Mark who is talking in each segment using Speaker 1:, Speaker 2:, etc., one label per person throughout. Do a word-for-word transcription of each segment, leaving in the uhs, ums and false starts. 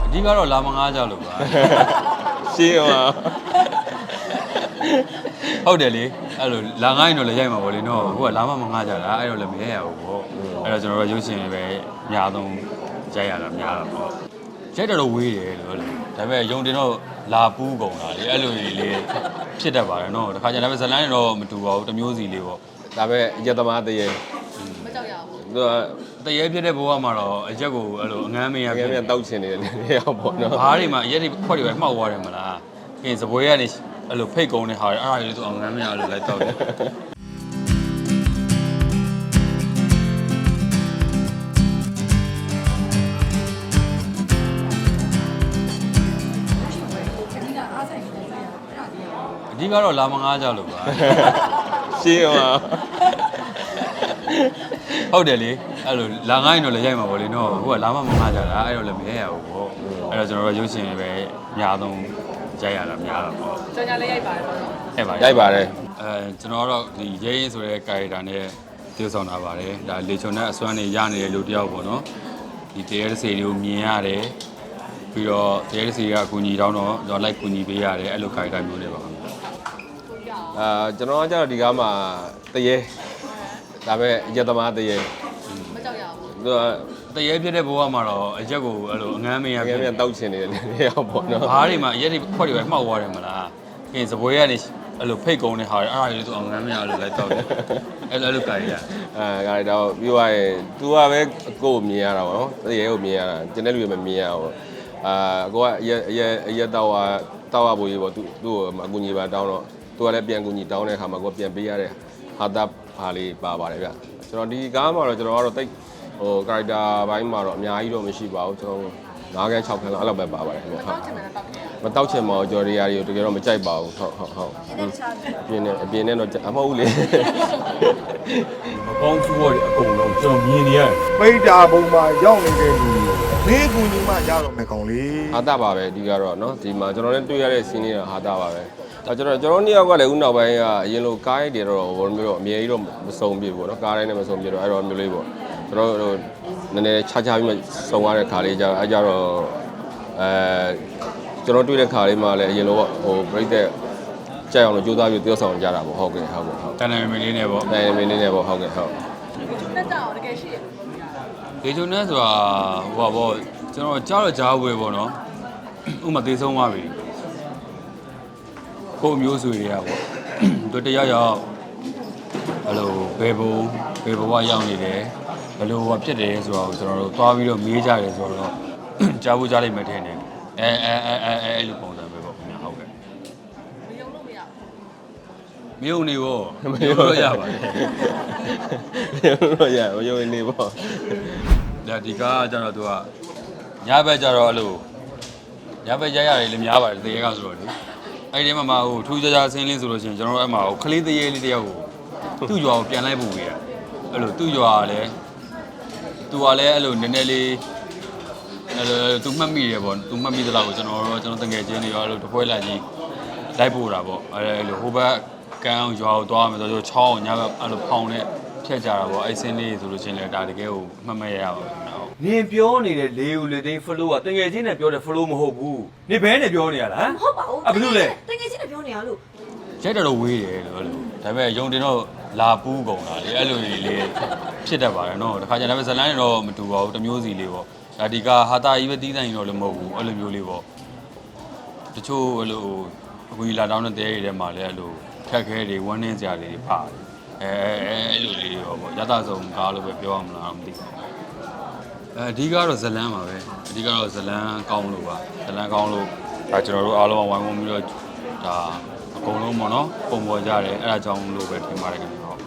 Speaker 1: ဒီကတော့လာမငားကြလို့ပါ
Speaker 2: ရှင်းပါ
Speaker 1: ဟုတ်တယ်လေအဲ့လိုလာငားရင်တော့လည်းရိုက်မှာပေါ့လေနော်ဟိုကလာမမငားကြတာအဲ့တော့လည်းမရရဘူးပေါ့အဲ့တော့ကျွန်တော်တို့ရုပ်ရှင်ပဲအများဆုံးရိုက်ရတာများတာပေါ့ရိုက်တော့ဝေးတယ်လို့ဒါပေမဲ့ယုံတင်တော့လာပူးကုန်တာလေအဲ့လိုကြီးလေးဖြစ်တတ်ပါတယ်နော်တခါကျရင်ဒါပေမဲ့ဇလန်းတော့မတူပါဘူးတစ်မျိုးစီလေးပေါ့
Speaker 2: ဒါပေမဲ့အရက်သမားတရေ
Speaker 3: မကြောက်ရဘူး
Speaker 2: သူ
Speaker 1: ကတရေဖြစ်တဲ့ဘဝမှာတော့အရက်ကိုအဲ့လိုအငမ်းမရ
Speaker 2: ဖြစ်နေတောက်ချင်နေတယ်နေရောက်ပေါ့နော်
Speaker 1: ဘားတွေမှာအရက်တွေခွက်တွေပဲမှောက်သွားတယ်မလားခင်စပွဲကနေအဲ့လိုဖိတ်ကုန်းတဲ့ဟာတွေအဲ့ဒါလေးသူအငမ်းမရလို့လိုက်တော့တယ်အဓိကတော့လာမငားကြလို့ပါ
Speaker 2: ရှင်းပါ
Speaker 1: ဟုတ်တယ်လေအဲ့လိုလာငားရင်တော့လည်းရိုက်မှာပေါ့လေနော်ဟိုကလာမမငားကြတာအဲ့တော့လည်းမရရဘူးပေါ့အဲ့တော့ကျွန်တော်တို့ရုပ်ရှင်ပဲအများဆုံးရိုက်ရတာများတာပေါ့
Speaker 3: ကျွန်တော်လည်းရိုက်ပါတယ်ပေါ့နော်
Speaker 1: ရိုက်ပါ
Speaker 2: ရိုက်ပါတယ်
Speaker 1: အဲကျွန်တော်တော့ဒီရဲရင်ဆိုတဲ့ character နဲ့တည်ဆောင်တာပါတယ်ဒါလေချုံနဲ့အစွမ်းနေရနေတယ်လို့တယောက်ပေါ့နော်ဒီတရေတစေတွေကိုမြင်ရတယ်ပြီးတော့တရေတစေကအကူအညီတောင်းတော့ကျွန်တော်လိုက်ကူညီပေးရတယ်အဲ့လို character မျိုးတွေပါခင်ဗျ
Speaker 2: အာကျွန်တော်ကကြတော့ဒီကားမှာတရေဒါပေမဲ့အရက်သမားတရေ
Speaker 3: မကြောက်ရဘူး
Speaker 2: သူ
Speaker 1: ကတရေဖြစ်တဲ့ဘဝမှာတော့အရက်ကိုအဲ့လိုအငမ်းမရ
Speaker 2: ဖြစ်နေတောက်ချင်နေတယ်နေရောက်ပေါ့နော်
Speaker 1: ဘားတွေမှာအရက်တွေခွက်တွေပဲမှောက်သွားတယ်မလားခင်စပွဲကနေအဲ့လိုဖိတ်ကုန်းတဲ့ဟာတွေအဲ့ဒါလေးသူအငမ်းမရလို့လိုက်တော့တယ်အဲ့လိုအဲ့လိုကြိုင်ရ
Speaker 2: အဲကြိုင်တော့ပြီးသွားရင် तू ကပဲကိုယ်မြင်ရတာပေါ့နော်တရေကိုမြင်ရတာကျန်တဲ့လူတွေမမြင်ရဘူးအာကိုကအရက်အရက်အရက်တော့တောက်ရဖို့ကြီးပေါ့ तू သူ့ကိုအကူညီပါတောင်းတော့သူကလည်းပြန်ကူညီတောင်းတဲ့အခါမှာကိုပြန်ပေးရတဲ့ဟာတာဟာလေးပါပါတယ်ဗျကျွန်တော်ဒီကားမှာတော့ကျွန်တော်ကတော့တိတ်ဟို character ဘိုင်းမှာတော့အများကြီးတော့မရှိပါဘူးကျွန်တော်၅ခန်း၆ခန်းလောက်အဲ့လိုပဲပါပါတယ်ခင်ဗျဟုတ်မတောက်ချင်ပါဘူးကျော်ရီယာတွေကိုတကယ်တော့မကြိုက်ပါဘူးဟုတ်ဟုတ်ဟုတ်အပြင်နဲ့အပြင်နဲ့တော့အမဟုတ်လေ
Speaker 1: မကောင်းသူ့ရဲ့အကုန်လုံးကျွန်တော်မြင်နေရတယ်
Speaker 4: ပိတ်တာပုံမှာရောက်နေတဲ့လူဘေးကူညီမှရတော့မယ်ကောင်လေး
Speaker 2: ဟာတာပါပဲဒီကတော့เนาะဒီမှာကျွန်တော်လည်းတွေ့ရတဲ့ scene တွေကဟာတာပါပဲအဲကျွန်တော်ကျွန်တော်နှစ်ယောက်ကလည်းဦးနောက်ပိုင်းကအရင်လိုကားရိုက်တယ်တော့ဘောမျိုးတော့အမြဲကြီးတော့မစုံပြဘူးเนาะကားတိုင်းနဲ့မစုံပြတော့အဲ့တော့မျိုးလေးပေါ့ကျွန်တော်တို့နည်းနည်းခြားခြားပြီးမှစုံရတဲ့ခါလေးကြအဲကြတော့အဲကျွန်တော်တွေ့တဲ့ခါလေးမှလည်းအရင်လိုပေါ့ဟိုပြိတက်ကြက်အောင်လို့ကြိုးစားပြီးတယောက်ဆောင်ကြတာပေါ့ဟုတ်ကဲ့ဟုတ်ကဲ့ဟုတ်
Speaker 1: တန်တယ်မင်းလေးနဲ့ပေါ့
Speaker 2: တန်တယ်မင်းလေးနဲ့ပေါ့ဟုတ်ကဲ့ဟုတ်
Speaker 3: တက်ကြအောင်တကယ်ရှိရ
Speaker 1: ဒေဂျုံနဲ့ဆိုတာဟိုပါပေါ့ကျွန်တော်ကြားတော့ကြားဝေပေါ့နော်ဥမာသေဆုံးသွားပြီကိုမျိုးဆွေတွေကပေါ့သူတရားရောက်အဲ့လိုဘယ်ဘုံဘယ်ဘဝရောက်နေတယ်ဘယ်လိုဟောဖြစ်တယ်ဆိုတော့ကျွန်တော်တို့သွားပြီးတော့မေးကြတယ်ဆိုတော့ကြားဖို့ကြားလိုက်မှထင်တယ်အဲအဲအဲအဲအဲ့လိုပုံစံပဲပေါ့ခင်ဗျဟုတ်ကဲ့
Speaker 3: မယုံလို့မရ
Speaker 1: မယုံနေပေါ့မယုံလို့ရပါတယ်
Speaker 2: မယုံလို့ရမယုံနေပေါ့
Speaker 1: ဒါဒီကားကျတော့သူကညဘက်ကျတော့အဲ့လိုညဘက်ရရတယ်လည်းများပါတယ်တရေကဆိုတော့လေအဲ့ဒီမှာမှဟိုထူးခြားခြားဆင်းလင်းဆိုလို့ရှိရင်ကျွန်တော်တို့အဲ့မှာဟိုကလေးတရေလေးတယောက်ကိုသူ့ရွာကိုပြန်လိုက်ပို့ပေးရအဲ့လိုသူ့ရွာကလည်းသူကလည်းအဲ့လိုနည်းနည်းလေးအဲ့လိုသူမှတ်မိတယ်ပေါ့သူမှတ်မိသလားကိုကျွန်တော်တို့ကျွန်တော်တငယ်ချင်းတွေရောအဲ့လိုတပွဲလိုက်ကြီးလိုက်ပို့တာပေါ့အဲ့လိုဟိုဘက်ကန်းရွာကိုသွားမယ်ဆိုတော့ချောင်းညဘက်အဲ့လိုဖောင်နဲ့ဖြတ်ကြတာပေါ့အဲ့ဆင်းလေးဆိုလို့ရှိရင်လည်းဒါတကယ်ကိုမှတ်မရရပါဘူး
Speaker 5: နင်ပြောနေတဲ့လေဦးလေသိန်း flow ကတငယ်ချင်းနဲ့ပြောတဲ့ flow မဟုတ်ဘူးနင်ဘဲနဲ့ပြောနေရလား
Speaker 3: မဟုတ်ပါဘူး
Speaker 5: အဲ့ဘယ်လိုလဲ
Speaker 3: တကယ်ချင်းနဲ့ပြောနေရလို့
Speaker 1: ရိုက်တော့ဝေးတယ်လို့ဒါပေမဲ့ယုံတင်တော့လာပူးကုန်တာလေအဲ့လိုကြီးလေးဖြစ်တတ်ပါတယ်နော်တခါကျရင်ဒါပေမဲ့ဇလန်းတော့မတူပါဘူးတစ်မျိုးစီလေးပေါ့ဒါဒီကဟာတာကြီးပဲတီးတိုင်းတော့လည်းမဟုတ်ဘူးအဲ့လိုမျိုးလေးပေါ့တချို့အဲ့လိုအခုလာတောင်းတဲ့တဲတွေထဲမှာလည်းအဲ့လိုခက်ခဲတွေဝန်းနေစရာတွေပါတယ်အဲအဲ့လိုလေးရောပေါ့ရတဆုံကားလို့ပဲပြောရမလားမသိဘူးအဲအဓိကတော့ဇလန်းပါပဲအဓိကတော့ဇလန်းကောင်းလို့ပါဇလန်းကောင်းလို့ဒါကျွန်တော်တို့အားလုံးဝိုင်းဝန်းပြီးတော့ဒါအကုန်လုံးပေါ့နော်ပုံပေါ်ကြတယ်အဲ့ဒါကြောင့်လို့ပဲထင်ပါတယ်ခင်ဗျဟုတ်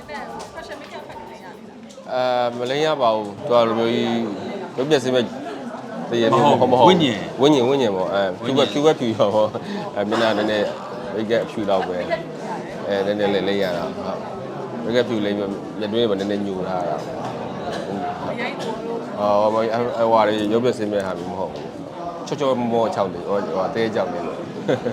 Speaker 2: အဲမလိမ့်ရပါဘူးသူကလိုမျိုးကြီးရုပ်ပြစင်းမဲ့တရေမျိုးမဟုတ်မဟုတ်
Speaker 1: ဝိညာဉ်
Speaker 2: ဝိညာဉ်ဝိညာဉ်ပေါ့အဲဖြူကဖြူကဖြူရောပေါ့အဲမျက်နှာနည်းနည်းရိတ်ကအဖြူတော့ပဲအဲနည်းနည်းလေးလိမ့်ရတာဟုတ်ရိတ်ကဖြူလိမ့်မျက်တွင်းမှာနည်းနည်းညူထားတာအော်မအဝါရီရုပ်ပြစင်းမဲ့ဟာမျိုးမဟုတ်ဘူးချောချောမောမောချောင်းတယ်ဟိုအသေးကြောက်နေလို့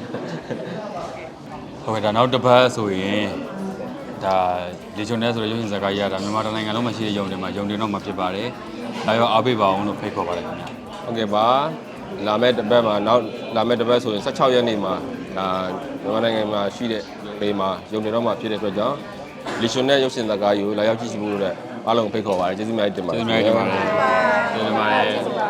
Speaker 1: ဟုတ်ကဲ့ဒါနောက်တစ်ပတ်ဆိုရင်ဒါလေချုံနဲ့ဆိုရရုပ်ရှင်ဇာတ်ကားရတာမြန်မာတိုင်းနိုင်ငံလုံးမှာရှိတဲ့ယုံတွေမှာယုံတွေတော့မှာဖြစ်ပါတယ်ဒါရောအားပေးပါအောင်လို့ဖိတ်ခေါ်ပါတယ်ခင်ဗျာ
Speaker 2: ဟုတ်ကဲ့ပါလာမဲ့တစ်ပတ်မှာနောက်လာမဲ့တစ်ပတ်ဆိုရင်၁၆ရက်နေ့မှာဒါမြန်မာနိုင်ငံမှာရှိတဲ့ပေမှာရုံတင်တော့မှာဖြစ်တဲ့အတွက်ကြောင့်လီရှင်နဲ့ရုပ်ရှင်ဇာတ်ကားယူလာရောက်ကြည့်ရှုဖို့အတွက်အားလုံးဖိတ်ခေါ်ပါတယ်ကျေးဇူးများတင်ပါတယ်
Speaker 1: ကျေးဇူးများတင်ပါတယ်ကျေးဇူးတင်ပါတယ်